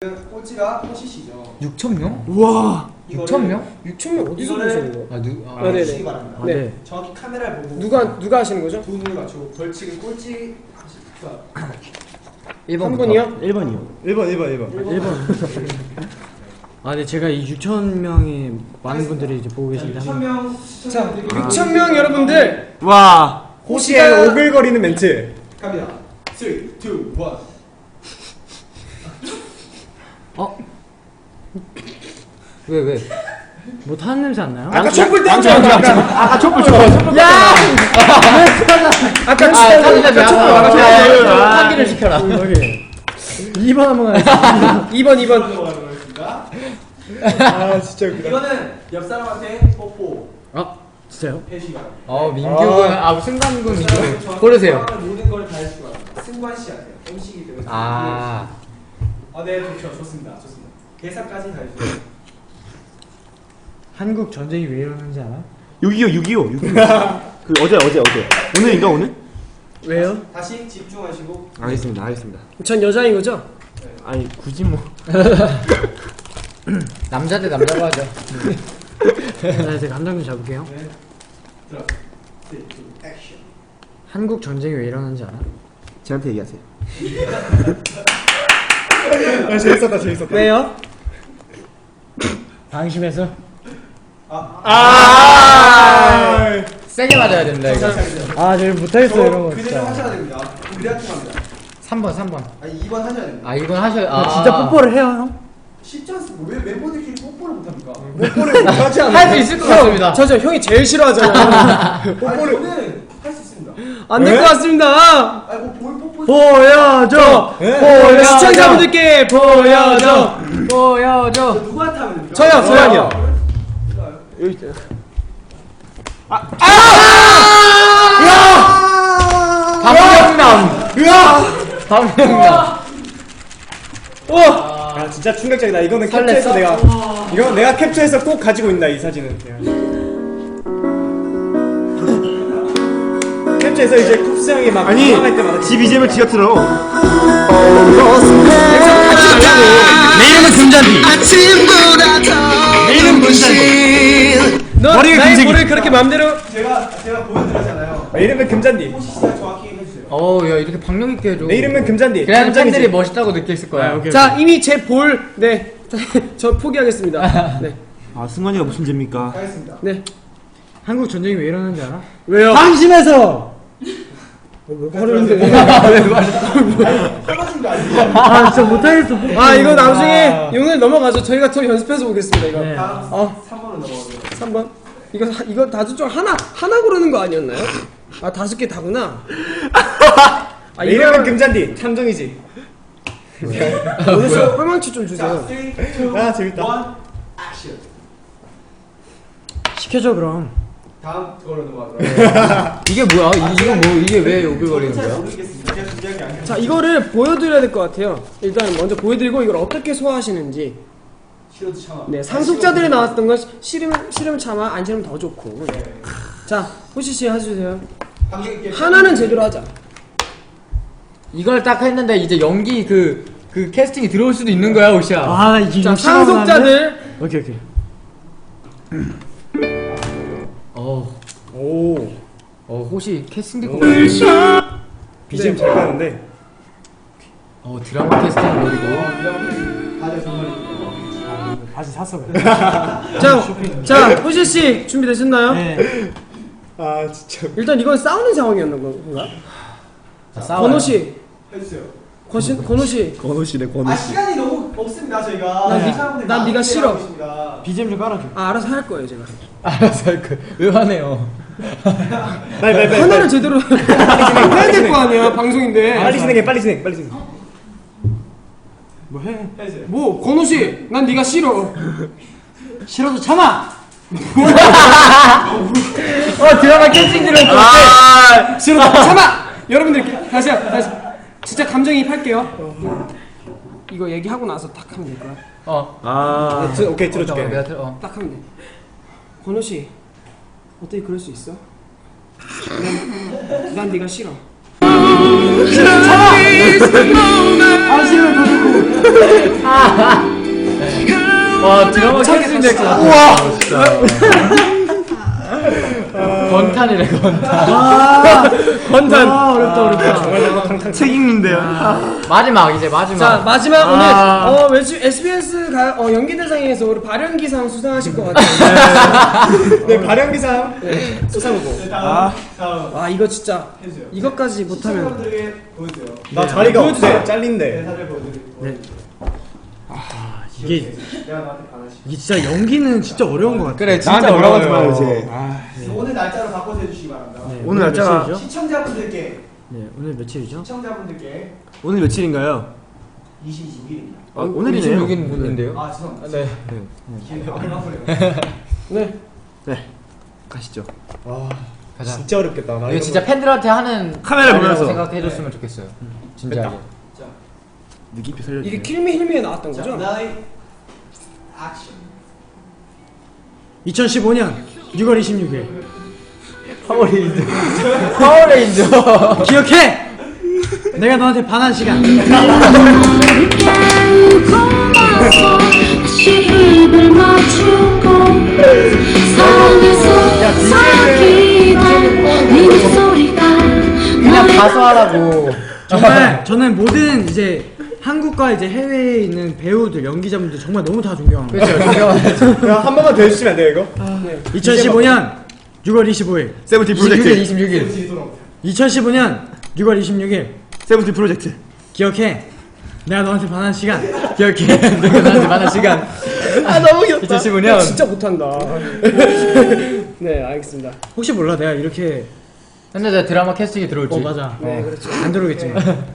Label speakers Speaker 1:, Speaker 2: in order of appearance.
Speaker 1: 꼴찌가 호시시죠.
Speaker 2: 6,000명?
Speaker 3: 우와.
Speaker 2: 6,000명?
Speaker 3: 6,000명 어디서 보시는 거예요?
Speaker 1: 네네. 바랍니다.
Speaker 3: 네.
Speaker 1: 정확히 카메라를 보고
Speaker 3: 누가 하시는 거죠?
Speaker 1: 두 눈을 맞추고 벌칙은 꼴찌
Speaker 3: 1번이요?
Speaker 4: 1번이요.
Speaker 3: 1번.
Speaker 4: 아, 네, 제가 이 6,000명의 많은 분들이 이제 보고 계신데.
Speaker 1: 6,000명
Speaker 3: 자, 6,000명 여러분들.
Speaker 4: 와.
Speaker 3: 호시가 오글거리는 멘트.
Speaker 1: 갑니다. 3, 2, 1.
Speaker 4: 왜? 뭐 타는 냄새 안 나요?
Speaker 3: 아까 촛불 떼었죠?
Speaker 4: 아까 촛불 줘.
Speaker 3: 야! 아까 촛불
Speaker 2: 환기를 시켜라.
Speaker 4: 2번 한번 가겠습니다.
Speaker 3: 2번. 아, 진짜 웃기다.
Speaker 1: 이거는 옆 사람한테 뽀뽀.
Speaker 4: 진짜요?
Speaker 1: 해주시기 바랍니다.
Speaker 2: 민규군, 승관군 민규. 고르세요.
Speaker 1: 모든 걸 다 해주시기 바랍니다. 승관 씨한테 MC이기 때문에. 네, 좋습니다. 계산까지 다 해주세요.
Speaker 4: 한국 전쟁이 왜 일어나는지 알아?
Speaker 5: 6.25 그 어제 오늘인가 오늘?
Speaker 3: 왜요?
Speaker 1: 다시 집중하시고.
Speaker 5: 알겠습니다.
Speaker 3: 전 여자인 거죠?
Speaker 5: 아니 굳이 뭐
Speaker 2: 남자 대 남자로 하죠.
Speaker 4: 네, 제가 감정 좀 잡을게요.
Speaker 1: 네. 들어. 3, 2, 액션.
Speaker 4: 한국 전쟁이 왜 일어나는지 알아?
Speaker 5: 저한테 얘기하세요.
Speaker 3: 재밌었다. 왜요?
Speaker 4: 방심해서?
Speaker 2: 세게 맞아야 된다, 이거.
Speaker 4: 저 못하겠어요, 이런 거
Speaker 1: 그대로
Speaker 4: 진짜.
Speaker 1: 하셔야 됩니다. 그래야지 합니다.
Speaker 2: 3번.
Speaker 1: 아니 2번 하셔야 됩니다.
Speaker 2: 이건 하셔야,
Speaker 4: 진짜 뽀뽀를 해요, 형?
Speaker 1: 쉽지 않습니다. 왜 멤버들끼리 뽀뽀를 못합니까?
Speaker 3: 뽀뽀를 하지 않아요.
Speaker 2: 할 수 있을 것 같습니다.
Speaker 3: 저 형이 제일 싫어하잖아요.
Speaker 1: 뽀뽀를 저는 할 수 있습니다.
Speaker 3: 안 될 것 같습니다.
Speaker 1: 아니 뭐볼 뽀뽀
Speaker 4: 보여줘!
Speaker 3: 시청자분들께 보여줘.
Speaker 1: 누구한테 하면 됩니까?
Speaker 3: 저요.
Speaker 5: 여기 있어요.
Speaker 2: 방명남.
Speaker 3: 아, 진짜 충격적이다. 이거는 캡처해서 내가 캡처해서 꼭 가지고 있다, 이 사진은. 캡처해서 이제 쿱스 형이 막
Speaker 5: 아니
Speaker 3: 올라갈 때마다
Speaker 5: 지 BGM을 지가 틀어.
Speaker 2: 내 이름은 금잔디. 내 이름은 금잔디.
Speaker 3: 너
Speaker 5: 머리가
Speaker 3: 나의
Speaker 5: 금색이-
Speaker 3: 볼을 그렇게 맘대로
Speaker 1: 제가 보여드렸잖아요.
Speaker 3: 내 이름은 금잔디.
Speaker 1: 호시 씨가 정확히 해주세요.
Speaker 2: 야, 이렇게 박력 있게 해줘.
Speaker 3: 내 이름은 금잔디.
Speaker 2: 그래야
Speaker 3: 금잔디지.
Speaker 2: 팬들이 멋있다고 느꼈을 거야.
Speaker 3: 자, 이미 제 볼, 저 포기하겠습니다. 네.
Speaker 5: 아 승관이가 무슨 죄입니까?
Speaker 1: 가겠습니다.
Speaker 3: 네.
Speaker 4: 한국 전쟁이 왜 일어나는지 알아?
Speaker 3: 왜요?
Speaker 4: 방심해서!
Speaker 3: 어려운데.
Speaker 1: 떨어진 거 아니에요?
Speaker 4: 진짜 못하겠어.
Speaker 3: 이거 나중에 오늘 넘어가죠. 저희가 더 연습해서 보겠습니다, 이거.
Speaker 4: 네.
Speaker 1: 다음 3번으로 넘어가세요.
Speaker 3: 3번. 이거 다섯 중 하나 고르는 거 아니었나요? 5개 다구나. 내 이름은 금잔디. 탐정이지. 오늘 꿀망치 좀
Speaker 1: 자,
Speaker 3: 주세요.
Speaker 1: 3, 2, 1,
Speaker 3: 재밌다.
Speaker 1: 액션.
Speaker 4: 시켜줘, 그럼.
Speaker 1: 다음 그걸로 넘어가도록.
Speaker 2: 이게 뭐야? 이게 왜 오글거리는
Speaker 1: 잘
Speaker 2: 거야?
Speaker 1: 모르겠습니다. 제가 준비한 게 아니라.
Speaker 3: 자, 이거를 보여드려야 될 것 같아요. 일단 먼저 보여드리고 이걸 어떻게 소화하시는지.
Speaker 1: 싫어도 참아.
Speaker 3: 네, 상속자들이 나왔던 건 싫으면 참아, 안 싫으면 더 좋고. 자, 호시씨 해주세요.
Speaker 1: 관객 있게
Speaker 3: 하나는 제대로 하자.
Speaker 2: 이걸 딱 했는데 이제 연기 그 캐스팅이 들어올 수도 있는 거야, 오시야.
Speaker 4: 이게
Speaker 3: 자, 상속자들.
Speaker 4: 오케이.
Speaker 2: 호시 캐스팅 듣고
Speaker 3: BGM 잘 가는데.
Speaker 2: 드라마 캐스팅 노리고.
Speaker 1: 다들 정말
Speaker 4: 다시 샀어.
Speaker 3: 자, 호시씨 준비되셨나요?
Speaker 4: 네.
Speaker 3: 아, 진짜. 일단 이건 싸우는 상황이었나 건가? 권호씨.
Speaker 1: 해주세요.
Speaker 3: 권호씨.
Speaker 5: 권호씨네
Speaker 1: 시간이 너무 없습니다 저희가.
Speaker 3: 난 네가 싫어.
Speaker 4: BGM 좀 깔아줘.
Speaker 3: 알아서 할 거예요, 제가.
Speaker 2: 알았어, 왜 화내요?
Speaker 5: 빨리
Speaker 3: 하나는 제대로 해야 될 거 아니야, 방송인데.
Speaker 5: 빨리 진행해.
Speaker 4: 뭐 해?
Speaker 1: 해주세요.
Speaker 3: 뭐, 권호씨, 난 네가 싫어.
Speaker 4: 싫어도 참아!
Speaker 2: 드라마 캐스팅 들어올 것
Speaker 3: 싫어, 참아! 여러분들, 다시. 진짜 감정이입할게요. 이거 얘기하고 나서 딱 하면 될 거야. 오케이, 들어줄게.
Speaker 2: 내가
Speaker 3: 딱 하면 돼. 권호씨, 어떻게 그럴 수 있어? 난 네가 싫어.
Speaker 4: 아, 싫으면 더 좋고.
Speaker 2: 될것 같아. 우와. 건탄이래 건탄.
Speaker 3: 건단. 어렵다.
Speaker 5: 책임인데요.
Speaker 2: 마지막 이제 마지막.
Speaker 3: 자 마지막 오늘 SBS 연기대상에서 우리 발연기상 수상하실 것 같아요.
Speaker 1: 네, 발연기상
Speaker 3: 수상 후보. 아 이거 진짜
Speaker 1: 해주세요.
Speaker 3: 이것까지 못하면
Speaker 1: 시청자분들에게 보여주세요.
Speaker 5: 나 자리가
Speaker 3: 보여주세요.
Speaker 5: 없어. 잘린대.
Speaker 1: 대사를 보여드리고.
Speaker 4: 네. 이게
Speaker 1: 내가 너한테 반하시.
Speaker 4: 이게 진짜 연기는 진짜 어려운 것 같아.
Speaker 2: 그래 진짜
Speaker 5: 나한테 뭐라고 하지
Speaker 2: 어려워요.
Speaker 5: 마요 이제.
Speaker 1: 오늘 날짜로 바꿔서 해주시기 바랍니다.
Speaker 4: 네,
Speaker 5: 오늘 날짜가-
Speaker 4: 며칠이죠?
Speaker 1: 시청자분들께
Speaker 4: 네, 오늘 며칠이죠?
Speaker 1: 시청자분들께
Speaker 5: 오늘 며칠인가요?
Speaker 1: 26일입니다.
Speaker 5: 오늘이네요.
Speaker 2: 26인 분인데요.
Speaker 1: 아 죄송합니다.
Speaker 2: 네.
Speaker 1: 기회가 안 나오네요.
Speaker 3: 네.
Speaker 5: 가시죠.
Speaker 2: 가자.
Speaker 5: 진짜 어렵겠다. 나
Speaker 2: 이거 진짜 팬들한테 하는
Speaker 5: 카메라
Speaker 2: 말이라고
Speaker 5: 보면서.
Speaker 2: 생각해줬으면 좋겠어요. 진짜로.
Speaker 1: 자,
Speaker 5: 느낌표 살려주세요.
Speaker 3: 이게 킬미 힐미에 나왔던
Speaker 1: 자,
Speaker 3: 거죠?
Speaker 1: 나이 액션.
Speaker 4: 2015년 6월 26일.
Speaker 2: 파워레인저.
Speaker 4: 기억해! 내가 너한테 반한 시간.
Speaker 2: 그냥 가서 하라고.
Speaker 4: 정말 저는 모든 이제 한국과 이제 해외에 있는 배우들, 연기자분들 정말 너무 다 존경합니다.
Speaker 2: 그렇죠. 존경하죠.
Speaker 5: 한 번만 더 해주시면 안 돼요 이거?
Speaker 4: 2015년 6월 25일.
Speaker 5: 세븐틴
Speaker 2: 26일,
Speaker 5: 프로젝트.
Speaker 2: 26일.
Speaker 4: 2015년 6월 26일.
Speaker 5: 세븐틴 프로젝트.
Speaker 4: 기억해. 내가 너한테 반한 시간.
Speaker 2: 기억해. 내가 나한테 많은 시간.
Speaker 3: 아 너무 귀엽다.
Speaker 2: 2015년.
Speaker 3: 진짜 못한다. 네 알겠습니다.
Speaker 4: 혹시 몰라 내가 이렇게
Speaker 2: 근데 내 드라마 캐스팅이 들어올지.
Speaker 4: 맞아.
Speaker 3: 네 그렇죠.
Speaker 4: 안 들어오겠지만